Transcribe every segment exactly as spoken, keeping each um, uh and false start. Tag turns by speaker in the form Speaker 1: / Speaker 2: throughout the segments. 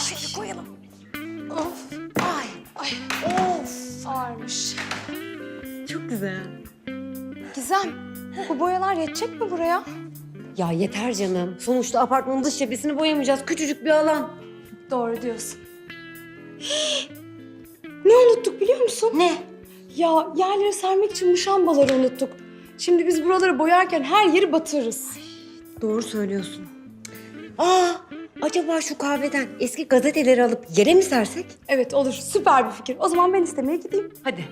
Speaker 1: Şöyle koyalım. Of. Ay. Ay. Of. Ağırmış.
Speaker 2: Çok güzel.
Speaker 1: Gizem, bu boyalar yetecek mi buraya?
Speaker 2: Ya yeter canım. Sonuçta apartmanın dış cephesini boyamayacağız. Küçücük bir alan.
Speaker 1: Doğru diyorsun. Ne unuttuk biliyor musun?
Speaker 2: Ne?
Speaker 1: Ya yerleri sermek için muşambaları unuttuk. Şimdi biz buraları boyarken her yeri batırırız.
Speaker 2: Doğru söylüyorsun. Aa, acaba şu kahveden eski gazeteleri alıp yere mi sersek?
Speaker 1: Evet olur, süper bir fikir. O zaman ben istemeye gideyim.
Speaker 2: Hadi.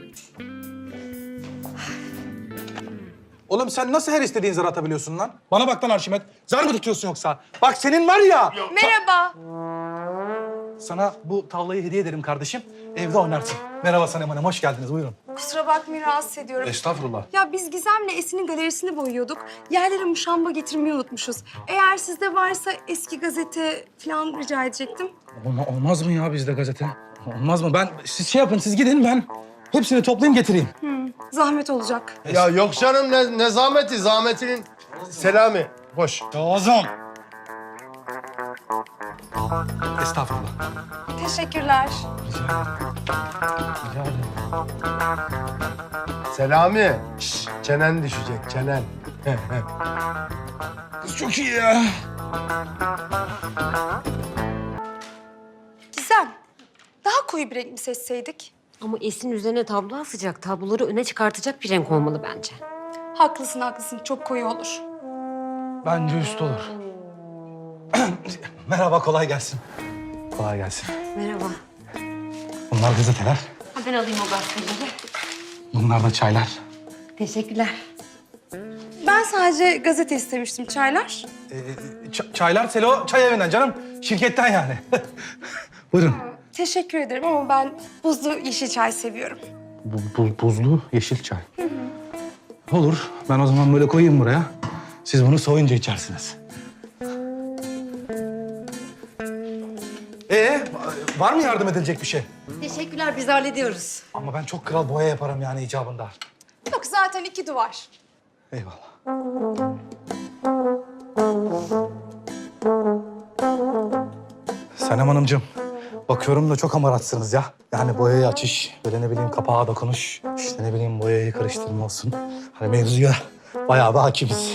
Speaker 3: Oğlum sen nasıl her istediğin zar atabiliyorsun lan? Bana bak lan Arşimet. Zar mı tutuyorsun yoksa? Bak senin var ya.
Speaker 1: Merhaba.
Speaker 3: Sana bu tavlayı hediye ederim kardeşim. Evde oynarsın. Merhaba Sanem Hanım, hoş geldiniz. Buyurun.
Speaker 1: Kusura bakmayın, rahatsız ediyorum.
Speaker 3: Estağfurullah.
Speaker 1: Ya biz Gizem'le Esin'in galerisini boyuyorduk. Yerlere muşamba getirmeyi unutmuşuz. Eğer sizde varsa eski gazete falan rica edecektim.
Speaker 3: Olma, olmaz mı ya bizde gazete? Olmaz mı? Ben, siz şey yapın, siz gidin ben hepsini toplayayım getireyim.
Speaker 1: Zahmet olacak.
Speaker 4: Ya yok canım ne, ne zahmeti, zahmetinin Selami. Hoş.
Speaker 3: Lazım. Estağfurullah.
Speaker 1: Teşekkürler.
Speaker 3: Rica ederim.
Speaker 4: Selami. Şş, çenen düşecek, çenen.
Speaker 3: Kız çok iyi ya.
Speaker 1: Gizem, daha koyu bir renk mi seçseydik?
Speaker 2: Ama Esin üzerine tablo asacak. Tabloları öne çıkartacak bir renk olmalı bence.
Speaker 1: Haklısın, haklısın. Çok koyu olur.
Speaker 3: Bence üst olur. Merhaba, kolay gelsin. Kolay gelsin.
Speaker 2: Merhaba.
Speaker 3: Bunlar gazeteler.
Speaker 2: Ha, ben alayım o gazeteleri.
Speaker 3: Bunlar da çaylar.
Speaker 2: Teşekkürler.
Speaker 1: Ben sadece gazete istemiştim. Çaylar?
Speaker 3: Ee, ç- çaylar Selo çay evinden canım. Şirketten yani. Buyurun.
Speaker 1: Teşekkür ederim ama ben buzlu yeşil çay seviyorum.
Speaker 3: Bu, bu- buzlu yeşil çay. Olur. Ben o zaman böyle koyayım buraya. Siz bunu soğuyunca içersiniz. Ee, var mı yardım edilecek bir şey?
Speaker 2: Teşekkürler, biz hallediyoruz.
Speaker 3: Ama ben çok kral boya yaparım yani icabında.
Speaker 1: Yok, zaten iki duvar.
Speaker 3: Eyvallah. Sanem Hanımcığım, bakıyorum da çok hamaratsınız ya. Yani boyayı açış, böyle ne bileyim kapağa dokunuş, işte ne bileyim boyayı karıştırma olsun. Hani mevzuya bayağı bir hakimiz.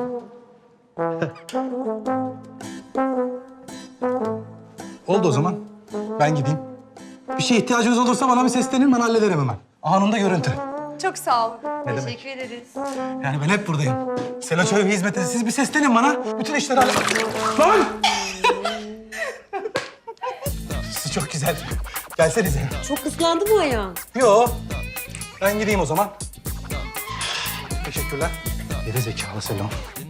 Speaker 3: Oldu o zaman. Ben gideyim. Bir şeye ihtiyacınız olursa bana bir seslenin, ben hallederim hemen. Anında görüntü.
Speaker 1: Çok sağ olun.
Speaker 3: Ne demek?
Speaker 2: Teşekkür ederiz.
Speaker 3: Yani ben hep buradayım. Selo Çöy hizmeti. Siz bir seslenin bana. Bütün işleri halle... Lan! Siz çok güzel. Gelsenize.
Speaker 2: Çok ıslandı bu ayağın.
Speaker 3: Yo. Ben gideyim o zaman. Teşekkürler. Geri zekalı Selo.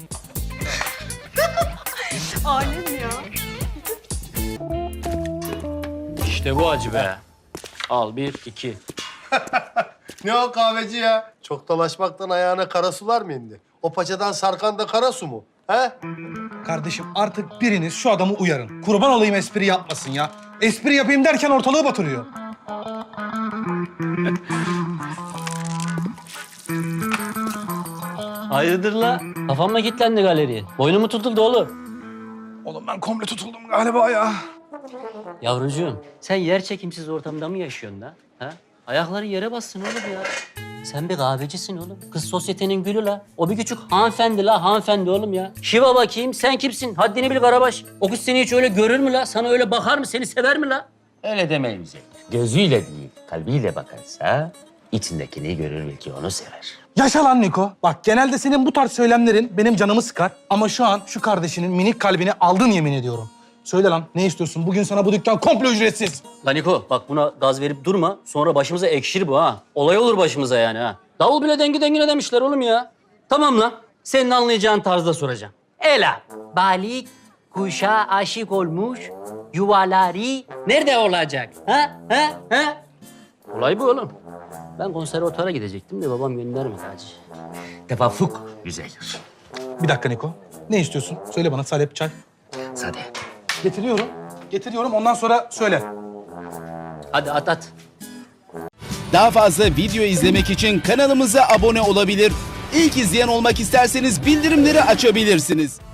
Speaker 2: Alem ya.
Speaker 5: İşte bu acı be. Al bir, iki.
Speaker 4: Ne o kahveci ya? Çok dolaşmaktan ayağına kara sular mı indi? O paçadan sarkan da kara su mu? He?
Speaker 3: Kardeşim artık biriniz şu adamı uyarın. Kurban olayım espri yapmasın ya. Espri yapayım derken ortalığı batırıyor.
Speaker 5: Hayırdır la? Kafam mı kilitlendi galeriye? Boynum mu tutuldu oğlum?
Speaker 3: Oğlum ben komple tutuldum galiba ya.
Speaker 5: Yavrucuğum, sen yer çekimsiz ortamda mı yaşıyorsun da? Ha? Ayakları yere bassın oğlum ya. Sen bir kahvecisin oğlum. Kız sosyetenin gülü la. O bir küçük hanımefendi la, hanımefendi oğlum ya. Şiva bakayım, sen kimsin? Haddini bil Karabaş. O kız seni hiç öyle görür mü la? Sana öyle bakar mı? Seni sever mi la?
Speaker 6: Öyle demeyin bize. Gözüyle değil, kalbiyle bakarsa içindekini görür belki onu sever.
Speaker 3: Yaşa lan Niko. Bak genelde senin bu tarz söylemlerin benim canımı sıkar. Ama şu an şu kardeşinin minik kalbini aldın yemin ediyorum. Söyle lan ne istiyorsun? Bugün sana bu dükkan komple ücretsiz.
Speaker 5: Lan Niko, bak buna gaz verip durma. Sonra başımıza ekşir bu ha. Olay olur başımıza yani ha. Davul bile dengi dengine demişler oğlum ya. Tamam lan. Senin anlayacağın tarzda soracağım. Ela, balık kuşa aşık olmuş, yuvaları nerede olacak? Ha? Ha? Ha? Olay bu oğlum. Ben konservatuvara gidecektim de babam göndermedi hacı.
Speaker 6: Tevafuk güzeldir.
Speaker 3: Bir dakika Niko. Ne istiyorsun? Söyle bana salep çay.
Speaker 6: Sade.
Speaker 3: Getiriyorum. Getiriyorum ondan sonra söyle.
Speaker 5: Hadi at at.
Speaker 7: Daha fazla video izlemek için kanalımıza abone olabilir. İlk izleyen olmak isterseniz bildirimleri açabilirsiniz.